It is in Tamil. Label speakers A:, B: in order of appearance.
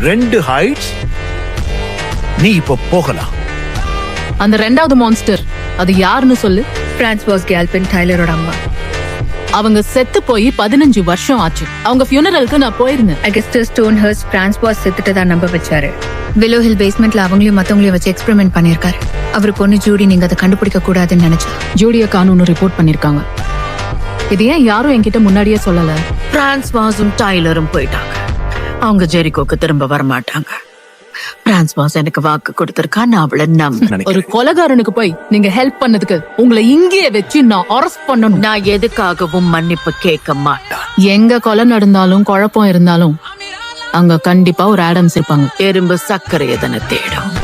A: 2 ஹைட்ஸ். நீ இப்ப போகலாம்.
B: அந்த 2வது மான்ஸ்டர் அது யாருன்னு சொல்லு.
C: பிரான்ஸ்வாஸ் கேல்பின் டைலரோட அம்மா.
B: அவங்க செத்து போய் 15 வருஷம் ஆச்சு. அவங்க ஃபியூனரலுக்கு நான் போயிருந்தேன்.
C: அகஸ்டஸ் ஸ்டோன்ஹர்ஸ்ட் பிரான்ஸ்வாஸ் செத்துட்டதா நம்ப வச்சாரு. வில்லோ ஹில் பேஸ்மெண்ட்ல அவங்களையும் மத்தவங்களையும் வச்சு எக்ஸ்பெரிமெண்ட் பண்ணிருக்காரு. அவர் பொண்ணு ஜூடி நீங்க அதை கண்டுபிடிக்க கூடாதுன்னு நினைச்சா.
B: ஜூடிய கானூன்னு ரிப்போர்ட் பண்ணிருக்காங்க. இது ஏன் யாரும் என்கிட்ட முன்னாடியே சொல்லல?
D: பிரான்ஸ்வாஸும் டைலரும் போயிட்டாங்க. அவங்க ஜெரிகோக்கு திரும்ப வரமாட்டாங்க. பிரான்ஸ்வாஸ் எனக்கு வாக்கு கொடுத்திருக்கா, நான் அவளை நம்ப.
B: ஒரு கொலைகாரனுக்கு போய் நீங்க ஹெல்ப் பண்ணதுக்கு உங்களை இங்கேயே வச்சு நான் அரெஸ்ட் பண்ணணும்.
D: நான் எதுக்காகவும் மன்னிப்பு கேட்க மாட்டேன்.
B: எங்க கொலை நடந்தாலும் குழப்பம் இருந்தாலும் அங்க கண்டிப்பா ஒரு ஆடம்ஸ் இருப்பாங்க.
D: எறும்பு சர்க்கரை எதனை தேடும்.